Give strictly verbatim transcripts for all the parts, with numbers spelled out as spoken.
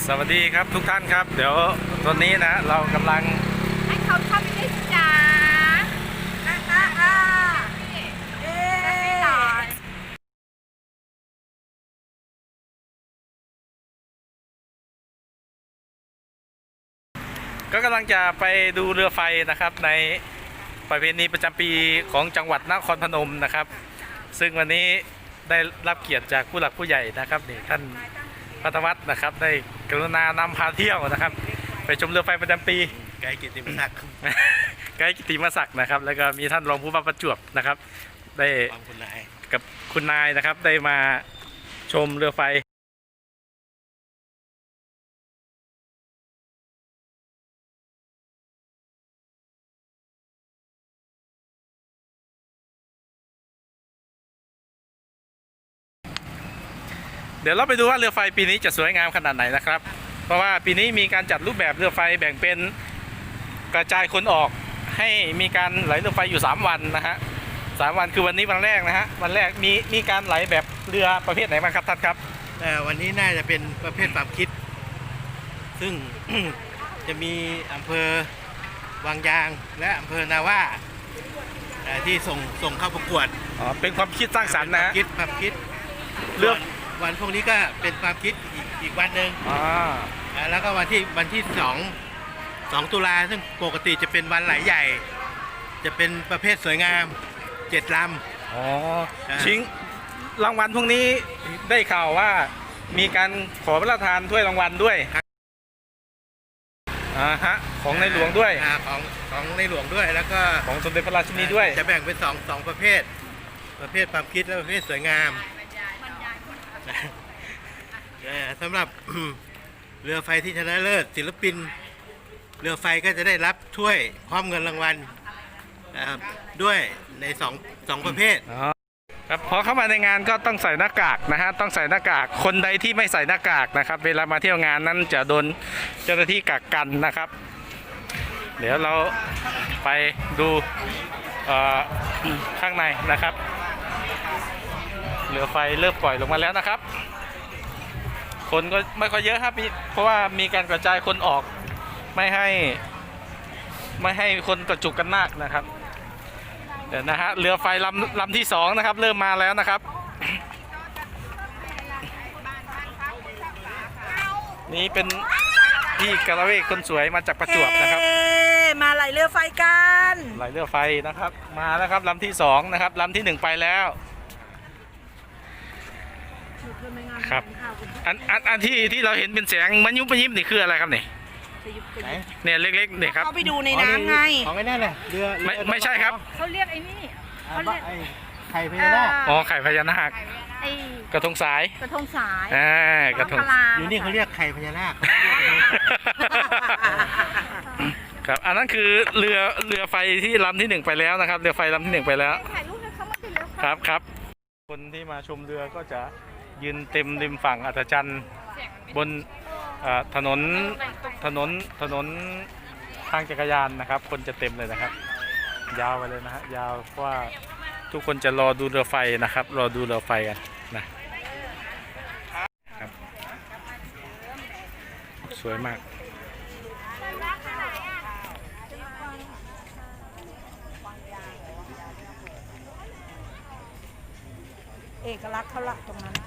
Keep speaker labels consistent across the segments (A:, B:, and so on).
A: สวัสดีครับทุกท่านครับเดี๋ยวตอนนี้นะเรากำลัง
B: ให้เขาเข้าไปได้จ้าอ่าอ่าอ่าเอ๊ะ
A: ก็กำลังจะไปดูเรือไฟนะครับในประเพณีประจำปีของจังหวัดนครพนมนะครับซึ่งวันนี้ได้รับเกียรติจากผู้หลักผู้ใหญ่นะครับนี่ท่านพัทวัฒน์นะครับได้กรุณานำพาเที่ยวนะครับไปชมเรือไฟประจำปี
C: ไกด์กิตติมศักดิ์
A: ไกด์กิติมศักดิ์นะครับแล้วก็มีท่านรองผู้ว่าประจวบนะครับได้
C: คุณนาย
A: กับคุณนายนะครับได้มาชมเรือไฟเดี๋ยวเราไปดูว่าเรือไฟปีนี้จะสวยงามขนาดไหนนะครับเพราะว่าปีนี้มีการจัดรูปแบบเรือไฟแบ่งเป็นกระจายคนออกให้มีการไหลเรือไฟอยู่สามวันนะฮะสามวันคือวันนี้วันแรกนะฮะวันแรกมีมีการไหลแบบเรือประเภทไหนบ้างครับท่านครับ
C: วันนี้น่าจะเป็นประเภทความคิดซึ่ง จะมีอำเภอวังยางและอำเภอนาว่าที่ส่งส่งเข้าประกวด
A: อ๋อเป็นความคิดสร้างสรรค์นะ
C: คิดความคิด
A: เรื่อง
C: วันพวกนี้ก็เป็นความคิดอีกอีกวันหนึ่ง
A: อ๋อ
C: แล้วก็วันที่วันที่สองสองตุลาซึ่งปกติจะเป็นวันไหลใหญ่จะเป็นประเภทสวยงามเจ็ดล
A: ำอ๋อชิงรางวัลพวกนี้ได้ข่าวว่ามีการขอพระราชทานถ้วยรางวัลด้วยอ่าฮะของในหลวงด้วย
C: ของของในหลวงด้วยแล้วก็
A: ของสมเด็จพระราชินีด้วย
C: จะแบ่งเป็นสองสองประเภทประเภทความคิดและประเภทสวยงามสำหรับเรือไฟที่ชนะเลิศศิลปินเรือไฟก็จะได้รับถ้วยพร้อมเงินรางวัลด้วยในสองสองประเภท
A: ครับพอเข้ามาในงานก็ต้องใส่หน้ากากนะฮะต้องใส่หน้ากากคนใดที่ไม่ใส่หน้ากากนะครับเวลามาเที่ยวงานนั้นจะโดนเจ้าหน้าที่กักกันนะครับ เดี๋ยวเราไปดูข้างในนะครับเรือไฟเริ่มปล่อยลงมาแล้วนะครับคนก็ไม่ค่อยเยอะครับเพราะว่ามีการกระจายคนออกไม่ให้ไม่ให้คนกระจุกกันมากนะครับเดี๋ยวนะฮะเรือไฟลำลำที่สองนะครับเริ่มมาแล้วนะครับนี่เป็นพี่กระเวกคนสวยมาจากประจวบนะครับ
B: มาไหลเรือไฟกัน
A: ไหลเรือไฟนะครับมาแล้วครับลำที่สองนะครับลำที่หนึ่งไปแล้วครับอันอันอันที่ที่เราเห็นเป็นแสงมันยุบมันยิบนี่คืออะไรครับนี่เนี่ยเล็กๆเนี่ยครับ
B: เขาไปดูในน้ำไง
C: ของไอ้นั่นแหละเรือ
A: ไม่ไม่ใช่ครับ
B: เขาเรียกไอ้นี่เขาเรียก
C: ไข่พญานาค
A: อ๋อไข่พญานาคกระทงสาย
B: กระทงสาย
A: อ่ากระทง
C: อยู่นี่เขาเรียกไข่พญานาค
A: ครับอันนั้นคือเรือเรือไฟที่ลำที่หนึ่งไปแล้วนะครับเรือไฟลำที่หนึ่งไปแล้วครับครับคนที่มาชมเรือก็จะยืนเต็มริมฝั่งอัศจรรย์บนถนนถนนถนนทางจักรยานนะครับคนจะเต็มเลยนะครับยาวไปเลยนะฮะยาวเพราะว่าทุกคนจะรอดูเรือไฟนะครับรอดูเรือไฟกันนะครับสวยมาก
B: เอกลักษณ์เขาละตรงนั้น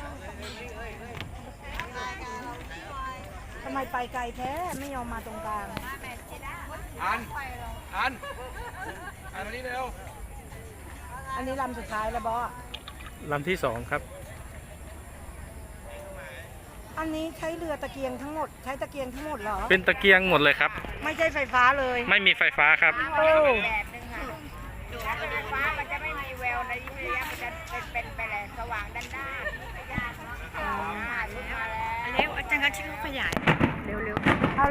B: ทำไมไปไกลแท้ไม่ยอมมาตรงกลาง
C: อันอันอันนี้เร็ว
B: อันนี้ลำสุดท้ายแล้วบอส
A: ลำที่สองครับ
B: อันนี้ใช้เรือตะเกียงทั้งหมดใช้ตะเกียงทั้งหมดเหรอ
A: เป็นตะเกียงหมดเลยครับ
B: ไม่ใช่ไฟฟ้าเลย
A: ไม่มีไฟฟ้าครับ
B: โอ้
D: ไฟฟ้ามันจะไม่มีแววในระยะมันจะเป็นไปแหลสว่างด้านหน้าไม่ยากเนาะอ๋อลุกมาแล้วเร็วอาจารย์ก็ชิคขยายเร็วเร็ว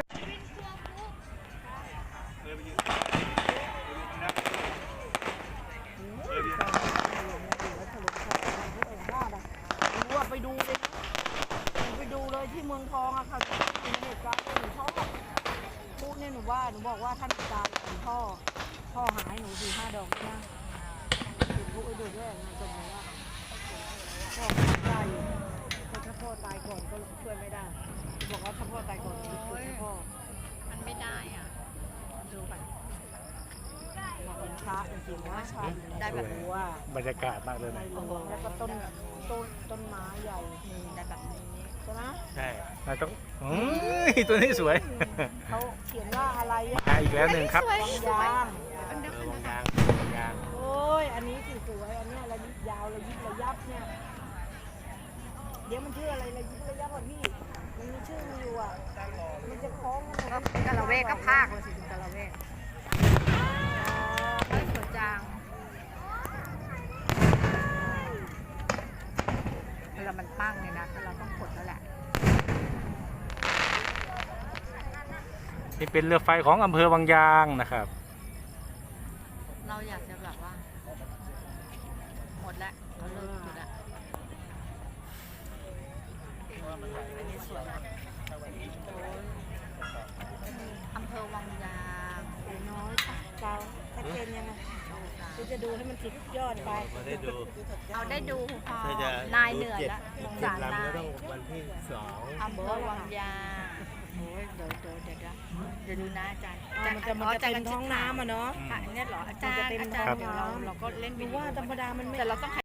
D: ไปดูเลยไปดูเลยที่เมืองทองอะค่ะเป็นเหตุการณ์หนูชอบพูดเนี่ยหนูว่าหนูบอกว่าท่านอาจารย์ของพ่อพ่อหายหนูสี่ห้าดอกนะเห็นพวกไอ้เด็กด้วยนะจนว่าพ่อตายอยู่แต่พ่อตายก่อนก็ช่วยไม่ได้บอกว่าถ้าพ่อตายก่อนจะช่วยให้พ่อ
B: มันไม่ได้อ่ะดูก่อน
D: บอกเป็นพระจริงๆนะพระ
B: ได้แบบ
D: รู้ว่า
A: บรรยากาศมากเลย
D: ใน
A: นะ
D: หลวงแล้วก็ต้นต้นต้นไม้ใหญ่
B: นี่ได้แบบนี้
D: ใช่ไหม
C: ใช่
A: เราต้องอืมตัวนี้สวย
D: เขาเขียนว่าอะไรอะ
A: อ่ะอีกแล้วหนึ่งครับ
B: สวย
D: วัง
B: สวย
D: ยาง
B: อันเดียว
C: เอ
B: กั
C: อน วง
B: นะคะ
C: ยางวงยาง
D: โอ้ยอันนี้สิสวยอันเนี้ยระยิบยาวระยิบระยับเนี่ยเดี๋ยวมันชื่ออะไรระยิบระยับอ่ะพี่มันมีชื่อมันอยู่อ่ะมันจะคล้องกันหมด
B: ก็กะละเวกก็ภาคเลยสิถึงกะละเวกเฮ้ยสวยจังเวลามันปั้งเนี่ยนะก็เราต้องกดแล้วแหละ
A: นี่เป็นเรือไฟของอำเภอวังยางนะครับ
B: เราอยากจะแบบว่า หมดแล้วเราเลิกจุดละอันนี้สวยนะโอ้ยอำเภอวังยาง
D: เดี๋ยวน้อยค่ะเจ้าชัดเจนยังไงคือจะดูให้มันติดยอดไป
C: พอได้ดู
B: เอาได้ดูพอ
C: ถ้าจะ
B: นายเหนื่อย
C: จ็ด
B: แล้วสง
C: เจ็ด
B: สาร
C: ลำ
B: นา
C: ก็
B: ย
C: ต้องวันที่สอง
B: อำเภอวังยางโอ้ยเดี๋ยวเดี๋ยวเดี๋ยวเดี๋ยวเดี๋ยวดูนะอาจารย์
D: อ่ามันจะมันจะเป็นท้องน้ำอ่ะเนาะ
B: ค่ะเนี่ยเหรออาจารย์
D: มันจะเป็น
B: อาจารย์
D: ท้อง
B: เดี๋ยวเรา
D: น้ำ
B: เราก็เล่น
D: ดู
B: วิดีโอ
D: ว่าธรรมดามันไม่
B: แต่เราต้อง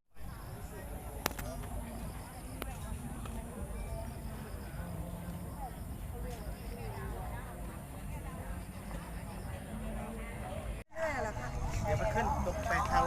C: เดี๋ยวมันขึ้นตกไปทาง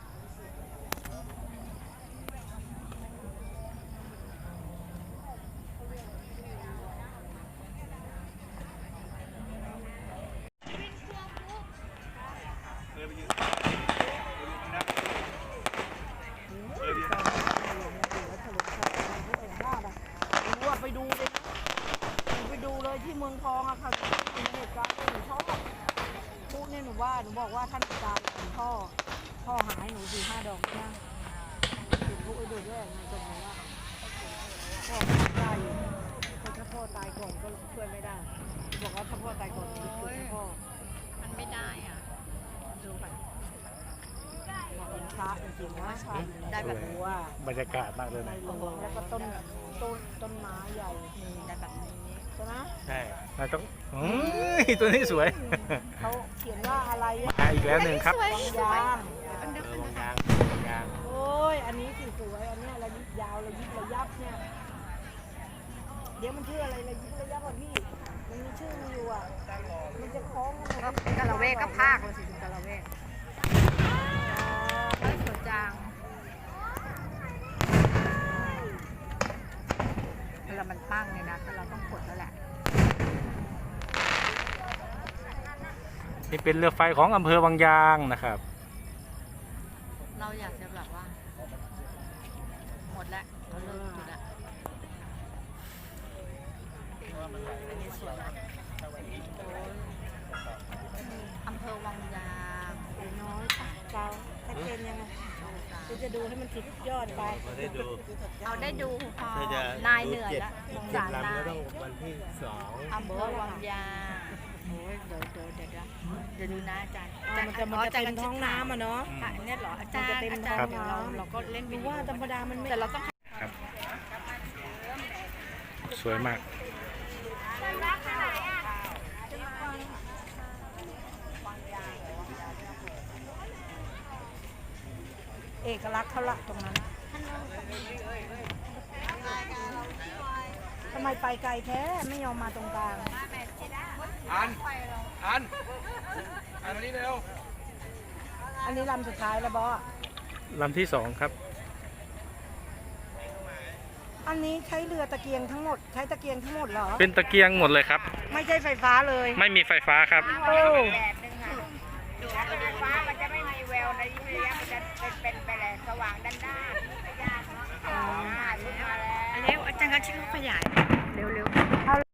D: รู้ว่าไปดูเลยไปดูเลยที่เมืองทองอะค่ะในเหตุการณ์หนูชอบพูดเนี่ยหนูว่าหนูบอกว่าท่านอาจารย์หลวงพ่อพ่อหายหนูสี่ห้าดอกนะถึงพูดไปดูด้วยในตรงนี้ว่าพ่อตายอยู่ถ้าพ่อตายก่อนก็ช่วยไม่ได้บอกว่าถ้าพ่อตายก่อนจะช่วยให้พ่อ
B: มันไม่ได้อ่ะดูก่อน
D: บอกเป็นพระจริงๆนะพระ
B: ได้แบบ
D: รู้ว่า
A: บรรยากาศมากเลย
D: ใน
A: นะ
D: หลวงแล้วก็ต้นต้นต้นไม้ใหญ่
B: นี่ได้แบบนี้
D: ใช่ไหม
C: ใช่
A: เราต้องอืมตัวนี้สวย
D: เขาเขียนว่าอะไรอะ
A: อ่ะอีกแล้วหนึ่งครับ
B: สวย
D: วัง
B: สวย
D: ยาง
B: อันเดียว
C: เอ
B: กั
C: อน วง
B: นะคะ
C: ยางวงยาง
D: โอ้ยอันนี้สิสวยอันเนี้ยระยิบยาวระยิบระยับเนี่ยเดี๋ยวมันชื่ออะไรระยิบระยับอ่ะพี่มันมีชื่อมันอยู่อ่ะมันจะคล้องกันหมด
B: ก็กะละเวกก็ภาคเลยสิถึงกะละเวกเฮ้ยสวยจังเวลามันปั้งเนี่ยนะก็เราต้องกดแล้วแหละ
A: นี่เป็นเรือไฟของอำเภอวังยางนะครับ
B: เราอยากจะแบบว่า หมดแล้วเราเลิกจุดละอันนี้สวยนะโอ้ยอำเภอวังยาง
D: เดี๋ยวน้อยค่ะเจ้าชัดเจนยังไงคือจะดูให้มันติดยอดไป
C: พอได้ดู
B: เอาได้ดูพอ
C: ถ้าจะ
B: นายเหนื่อย
C: เจ็ด
B: แล้วสง
C: เจ็ด
B: สารนา
C: ลำก็
B: ย
C: ต้องวันที่สอง
B: อำเภอวังยางโอ้ยเดี๋ยวเดี๋ยวเดี๋ยวเดี๋ยวเดี๋ยวดูนะอาจารย์
D: อ่ามันจะมันจะเป็นท้องน้ำอ่ะเนาะ
B: ค่ะอันเนี่ยเหรออาจารย์
D: มันจะเป็น
B: อาจารย์
D: ท้อง
B: เดี๋ยวเรา
D: น้ำ
B: เราก็เล่นวิ
D: ดู
B: ดีโอ
D: ว่าธรรมดามันไม่
B: แต่เราต้อง
A: ครับ สวยมาก
D: เอกลักษณ์เขาละตรงนั้นทำไมไปไกลแท้ไม่ยอมมาตรงกลาง
C: อันอันอันมานี่เร็ว
D: อันนี้ลำสุดท้ายแล้วบอส
A: ลำที่สองครับ
D: อันนี้ใช้เรือตะเกียงทั้งหมด ใช้ตะเกียงทั้งหมดเหรอ
A: เป็นตะเกียงหมดเลยครับ
D: ไม่ใช่ไฟฟ้าเลย
A: ไม่มีไฟฟ้าครับ
D: โอ้
B: ไฟฟ้ามันจะไม่มีแววในระยะมันจะเป็นเป็นไปแหละสว่างด้านหน้าไม่ยากเนาะอ่าขึ้นมาแล้วอันนี้อาจารย์ก็ชื่อขยายเร็วๆ